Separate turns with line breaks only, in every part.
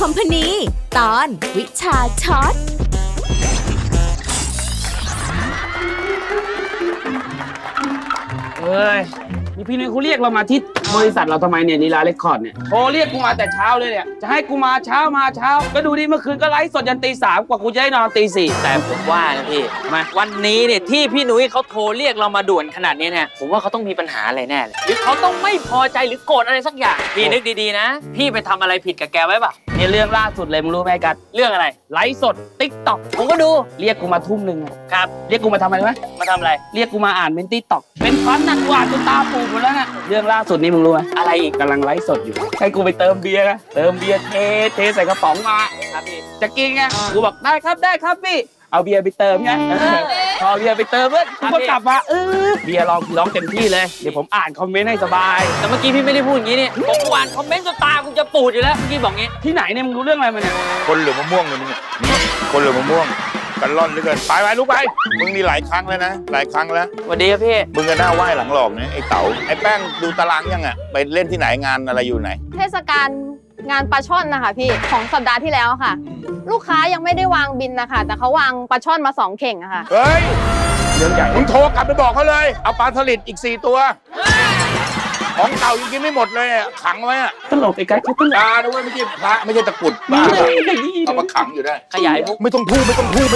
คอมพานีตอนวิชาช็อต
เฮ้ยนี่พี่นุ้ยเขาเรียกเรามาที่บริษัทเราทำไมเนี่ยลีลาเรคคอร์ดเนี่ยโทรเรียกกูมาแต่เช้าเลยเนี่ยจะให้กูมาเช้าก็ดูดิเมื่อคืนก็ไลฟ์สดยันตี 3กว่ากูจะได้นอนตี 4
แต่ผมว่านะพี่มาวันนี้เนี่ยที่พี่นุ้ยเขาโทรเรียกเรามาด่วนขนาดนี้เนี่ยผมว่าเขาต้องมีปัญหาอะไรแน่เลยหรือเขาต้องไม่พอใจหรือโกรธอะไรสักอย่างพี่นึกดีๆนะพี่ไปทำอะไรผิดกับแกไว้ป่ะ
เนี่ยเรื่องล่าสุดเลยมึงรู้ไหมกัด
เรื่องอะไร
ไลฟ์สดติ๊กต็อก
ผมก็ดู
เรียกกูมาทุ่มหนึ่ง
ครับ
เรียกกูมาทำอะไรไหม
มาทำอะไร
เรียกกูมาอ่านเป็นติ๊กต็อกเป็นฟันนักวาดจนตาปูดหมดแล้วเนี่ยเรื่องล่าสุดนี้มึงรู้ไหม
อะไรอีก
กำลังไลฟ์สดอยู่ให้กูไปเติมเบียร์นะเติมเบียร์เทใส่กระป๋องมา
ครับพี่
จะกินไงกูบอกได้ครับพี่เอาเบียร์ไปเติมไงพอเบียร์ไปเติมเพื่อนกูก็กลับมาเบียร์ร้องเต็มที่เลยเดี๋ยวผมอ่านคอมเมนต์ให้สบาย
แต่เมื่อกี้พี่ไม่ได้พูดอย่างนี้นี่ผมอ่านคอมเมนต์จนตากูจะปูดอยู่แล้วเมื่อกี้บอกงี้
ที่ไหนเนี่ยมึงรู้เรื่องอะไรมาเนี่ย
คนหรือมะม่วงเนี่ยมึงเนี่ยคนหรือมะม่วงกันร่อนเหลือเกินไปลุกไปมึงนี่หลายครั้งแล้วนะหลายครั้งแล้ว
สวัสดีครับพี่
มึงก็หน้าไหว้หลังหลอกเนี่ยไอ้เต๋าไอ้แป้งดูตารางยังอ่ะไปเล่นที่ไหนงานอะไรอยู่ไหน
เทศกาลงานปลาช่อนนะคะพี่ของสัปดาห์ที่แล้วค่ะ ลูกค้ายังไม่ได้วางบินนะคะแต่เขาวางปลาช่อนมา2 เข่งอะค่ะ
เฮ้ย
เรื่องใหญ่
มึงโทรกลับไปบอกเขาเลยเอาปลาสลิดอีก4 ตัวของเต่ายังกินไม่หมดเลยอะขังไว้อะ
ตลกไอ้ไก่เขาตลก
ตาด้วยไม่ใช่พระไม่ใช่ตะกรุดบ้าเอามาขังอยู่ได้
ขยายมุก
ไม่ต้องพูด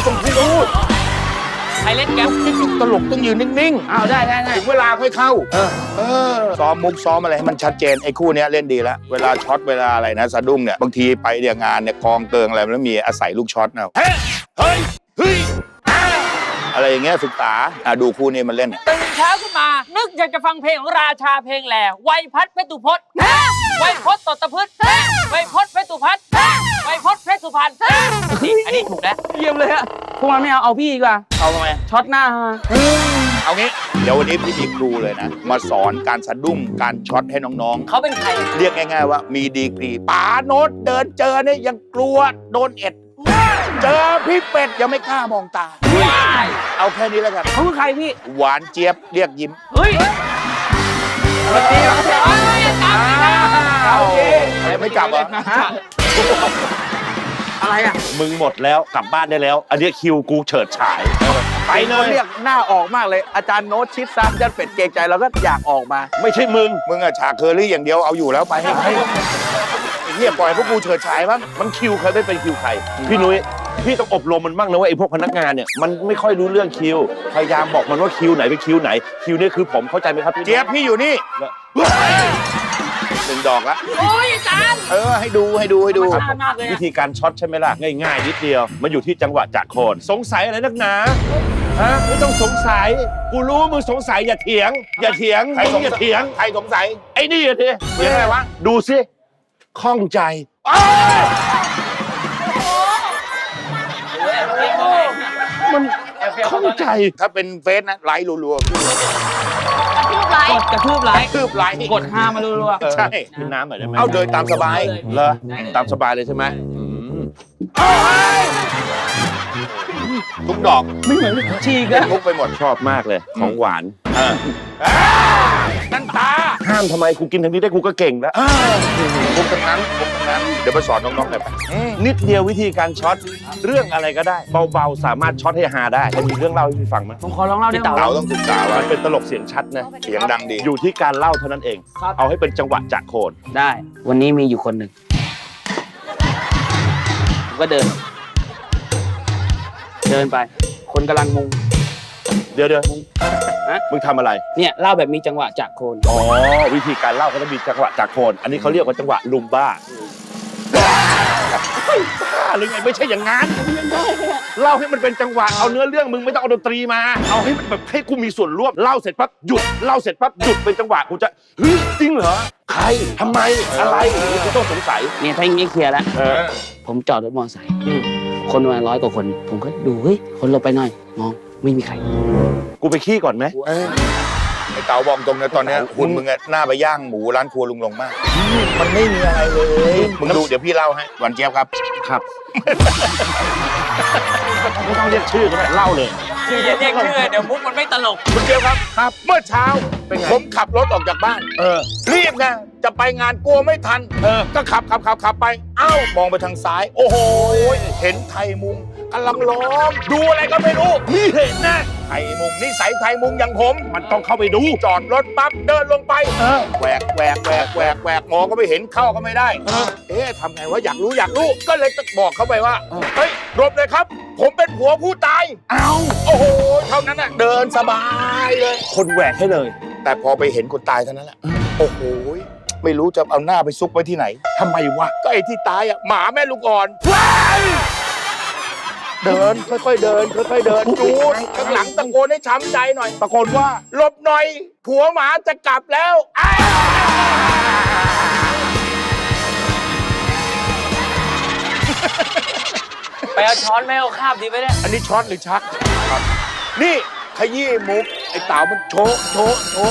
ใครเล่นแก๊ป
ตลกต้องยืนนิ่ง
อ้าวได้
ๆถึงเวลาค่อยเข้าซ้อมมุกซ้อมอะไรให้มันชัดเจนไอ้คู่เนี้ยเล่นดีแล้วเวลาช็อตเวลาอะไรนะสะดุ้งเนี่ยบางทีไปเดี๋ยวงานเนี่ยกองเกิงอะไรแล้วมีอาศัยลูกช็อตนะเฮ้ยอะไรอย่างเงี้ยศึกษาดูคู่นี้มันเล่น
ตื่นเช้าขึ้นมานึกอยากจะฟังเพลงของราชาเพลงแหล่ไวยพัฒน์เพชรตุพจน์ไวยพจน์ตตพืชไวยพจน์เพชรตุพัฒน์ไวยพจน์เพชรสุพรรณอันนี้ถูกแล้ว
เยี่ยมเลยอะพวกมันไม่เอาพี่ดีกว่า
เอาทำไม
ช็อตหน้า
เอางี้เดี๋ยววันนี้พี่มีครูเลยนะมาสอนการสะดุ้งการช็อตให้น้อง
เขาเป็นใคร
ๆเรียกง่ายๆว่ามีดีกรีป๋าโน้ตเดินเจอเนี่ยยังกลัวโดนเอ็ดเจอพี่เป็ดยังไม่กล้ามองตาเอาแค่นี้แล้วกัน
เขาคือใครพี่
หวานเจี๊ยบเรียกยิ้ม
เฮ้ยสวัสดีครับ
โอเคไม่กลับเหรอ
อะไรอะ
มึงหมดแล้วกลับบ้านได้แล้ว อันนี้คิวกูเฉิดฉาย ไปเลย
เรียกหน้าออกมากเลยอาจารย์โน้ตชิดซ้ำยันเป็ดเกรงใจเราก็อยากออกมา
ไม่ใช่มึง
มึงอะฉากเคอรี่อย่างเดียวเอาอยู่แล้วไปให้ไอ้เหี้ยปล่อยพวกกูเฉิดฉายบ้าง
มันคิวใครไม่เป็นคิวใคร พี่นุ้ยพี่ต้องอบรมมันบ้างนะว่าไอ้พวกพนักงานเนี่ยมันไม่ค่อยรู้เรื่องคิวพยายามบอกมันว่าคิวไหนเป็นคิวไหนคิวนี่คือผมเข้าใจไหมครับพี่
เจี๊ยบพี่อยู่นี่1 ดอกละ
โอ้ยอาจารย์
ให้ดู
มากเลย
วิธีการช็อตใช่ไหมล่ะง่ายๆนิดเดียวมันอยู่ที่จังหวะจากโคนสงสัยอะไรนักหนาฮะไม่ต้องสงสัยกูรู้มึงสงสัยอย่าเถียง อย่าเถียง
ใครสง
อย่า
สัย
เถียง
ใครสงสัย
ไอ้นี่อะที
เถียงอะไรวะ
ดูสิข้องใจ มันเข้าใจ
ถ้าเป็นเฟซนะไลค์รัวๆขึ้นเลย
กระทืบไลค์
คืบไลค์
กด5มารัว
ใช่
กินน้ำหน่อยได้ไหม
เอาโดยตามสบาย
เหรอตามสบายเลยใช่ไหม
ทุกดอก
ๆไม่เหมือนฉีก
เล่
อะ
นมุกไปหมด
ชอบมากเลยของหวาน
นั่นตา
ห้ามทำไมกูกินทางนี้ได้กูก็เก่งแล้ว
มุกทั้งนั้นเดี๋ยวมาสอนน้องๆหน่อยไป
นิดเดียววิธีการช็อตเรื่องอะไรก็ได้ เบาๆสามารถช็อตให้ฮาได้จะมีเรื่องเล่าให้พี่ฟังไหม
ผมขอลองเล่าได้ไหม
เต๋าต้องศึกษาไว้
มันเป็นตลกเสียงชัดนะ
เสียงดังดี
อยู่ที่การเล่าเท่านั้นเอง เอาให้เป็นจังหวะจากโคน
ได้ วันนี้มีอยู่คนหนึ่งผมก็เดินไป คนกำลังมุง
เดี๋ยว
ฮะ
มึงทำอะไร
เนี่ยเล่าแบบมีจังหวะจากโคน
อ๋อวิธีการเล่าก็ต้องมีจังหวะจากโคน อันนี้เขาเรียกว่าจังหวะลุมบ้าบ้าหรือไงไม่ใช่อย่างนั้นเล่าให้มันเป็นจังหวะเอาเนื้อเรื่องมึงไม่ต้องเอาดนตรีมาเอาให้มันแบบให้กูมีส่วนร่วมเล่าเสร็จปั๊บหยุดเล่าเสร็จปั๊บหยุดเป็นจังหวะกูจะเฮ้ยจริงเหรอใครทำไมอะไรอย่างนี้กูต้องสงสัย
เนี่ยถ้าอย่างนี้เคลียร์แล้ว ผมจอดรถมอเตอร์ไซค์คนประมาณ100 กว่าคน ผมก็ดูเฮ้ยคนหลบไปหน่อยมองไม่มีใคร
กูไปขี้ก่อนไหม
ไอ้เต๋าบอกตรงนะตอนเนี้ยคุณมึงอะหน้าไปย่างหมูร้านครัวลุงลงมาก มันไม่มีอะไรเลยมึงดูเดี๋ยวพี่เล่าให้หวานเจี๊ยบครับ
ครับ ไม่ต้องเรียกชื่อก็ได้เล่าเลย
อย่าเรียกชื่อเดี๋ยวมุกมันไม่ตลก
คุณเดียวครับครับ เมื่อเช้าผมขับรถออกจากบ้านรีบไงจะไปงานกลัวไม่ทันก็ขับไปเอ้ามองไปทางซ้าย โอ้โหเห็นไทยมุงกำลังล้อมดูอะไรก็ไม่รู้นี่เห็นนะไทยมุงนิสัยไทยมุงอย่างผมมันต้องเข้าไปดูจอดรถปั๊บเดินลงไปแหวกมองก็ไม่เห็นเข้าก็ไม่ได้ทำไงวะอยากรู้ก็เลยบอกเขาไปว่าเฮ้ยหลบเลยครับ ผมเป็นผัวผู้ตายโอ้โหเท่านั้นน่ะเดินสบายเลย
คนแหวกให้เลย
แต่พอไปเห็นคนตายเท่านั้นแหละโอ้โหไม่รู้จะเอาหน้าไปซุกไว้ที่ไหนทำไมวะก็ไอ้ที่ตายอ่ะหมาแม่ลูกอ่อนเดินค่อยๆเดินดูข้างหลังตะโกนให้ช้ำใจหน่อยตะโกนว่าหลบหน่อยผัวหมาจะกลับแล้ว
ไปเอาช้อนไม่เอาคาบดีไหมเนี่ย
อันนี้ช็อตหรือชักครับนี่ขยี้มุกไอ้เต๋ามันโชว์
โชว์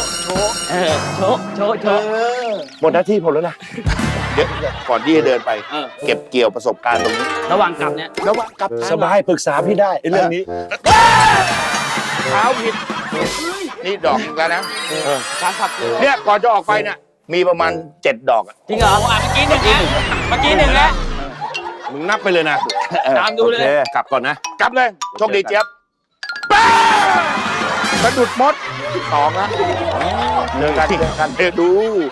หมดหน้าที่ผมแล้วนะ
เดี๋ยวก่อนที่จะเดินไป เก็บเกี่ยวประสบการณ์ตรงนี้
ระหว่างกลับเนี่ย
แล้วว่ากลับ
สบายปรึกษาพี่ได้ไอ้เรื่องนี้
เท้าผิดนี่ดอกแล้วนะ
การขับ
เนี่ยก่อนจะออกไปเนี่ยมีประมาณ7 ดอกอะ
จริงเหรอเมื่อกี้หนึ่งแล้ว
มึงนับไปเลยนะ
ตามดูเลย
โอคกลับก่อนนะ
กลับเลยโชคดีเจี๊ยบสะดุดมด2แล้ว
เจอกัน
เดี๋ยวดู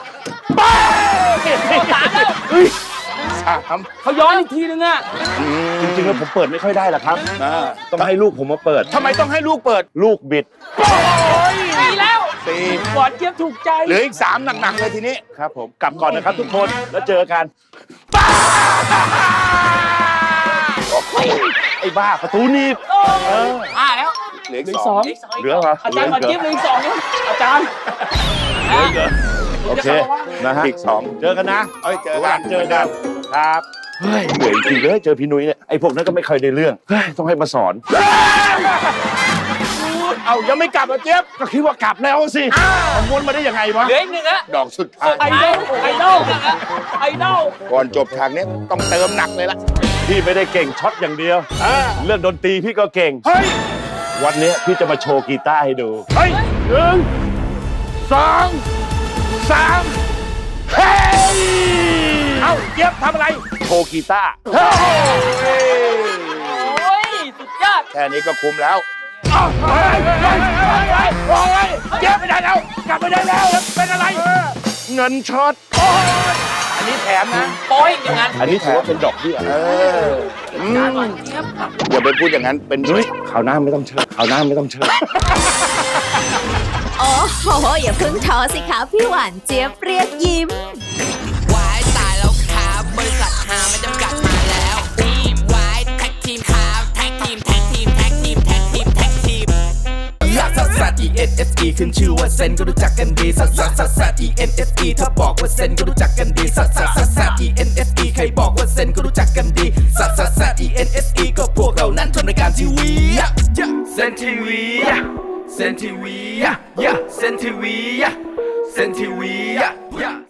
3
เขาย้อนอีกทีนึงอ่ะ
จริงๆแล้วผมเปิดไม่ค่อยได้หรอกครับ ต้องให้ลูกผมมาเปิด
ทำไมต้องให้ลูกเปิด
ลูกบิด
ดีแล้ว
4
หวานเจี๊ยบถูกใจ
เหลืออีก3หนักๆเลยทีนี้
ครับผมกลับก่อนนะครับทุกคนแล้วเจอกันไอ้บ้าประตูหนีบ
แล้ว
เหลืออีก
เหลือ
2
2
เหลือเหรอ
อาจารย์หวานเจี๊ยบเหลืออีก2นี่อาจารย์
โอเคนะฮะ
อีก2
เจอกันนะ
เจอกัน
ครับเฮ้ยเหนื่อยจริงเลยเจอพี่นุ้ยเนี่ยไอ้พวกนั้นก็ไม่เคยได้เรื่องเฮ้ยต้องให้มาสอน
เอายังไม่กลับอ่ะเจี๊ยบ
ก็คิดว่ากลับแล้วสิมันวนมาได้ยังไงวะ
เหลืออีกหนึ่งแล้ว
ดอกสุดท้าย
ไอดอล
ก่อนจบฉากนี้ต้องเติมหนักเลยล่ะ
พี่ไม่ได้เก่งช็อตอย่างเดียวเรื่องดนตรีพี่ก็เก่ง
เฮ้ย
วันนี้พี่จะมาโชว์กีตาร์ให้ดู
เฮ้ย1 2 3เฮ้ยเอ้าเจี๊ยบทำอะไร
โชว์กีตาร์
เฮ้ย
โอ้ยสุดยอด
แค่นี้ก็คุ้มแล้วเจี๊ยบไม่ได้แล้วกลับไม่ได้แล้วเป็นอะไร
เงินช็อต
อันนี้แถมนะ
โป้ยอย่างนั้น
อันนี้ถือว่าเป็นดอกเบี้ย
อย่าไปพูดอย่างนั้นเป็น
นุ้ยข่าวหน้าไม่ต้องเชิญข่าวหน้าไม่ต้องเชิญ
โอ้โห อย่าเพิ่งท้อสิคะพี่หวานเจี๊ยบเรียกยิ้ม
วายตายแล้วครับบริษัทหาไม่จำกัดมาแล้วทีมวายแท็กทีมครับแท็กทีมลักซัสซัส E N S E ขึ้นชื่อว่าเซนก็รู้จักกันดีซัสซัสซัสซัส E N S E ถ้าบอกว่าเซนก็รู้จักกันดีซัสซัสซัสซัส E N S E ใครบอกว่าเซนก็รู้จักกันดีซัสซัสซัส E N S E ก็พวกเรานั้นทำรายการทีวีเซนทีวีเซนทีวีเซนทีวี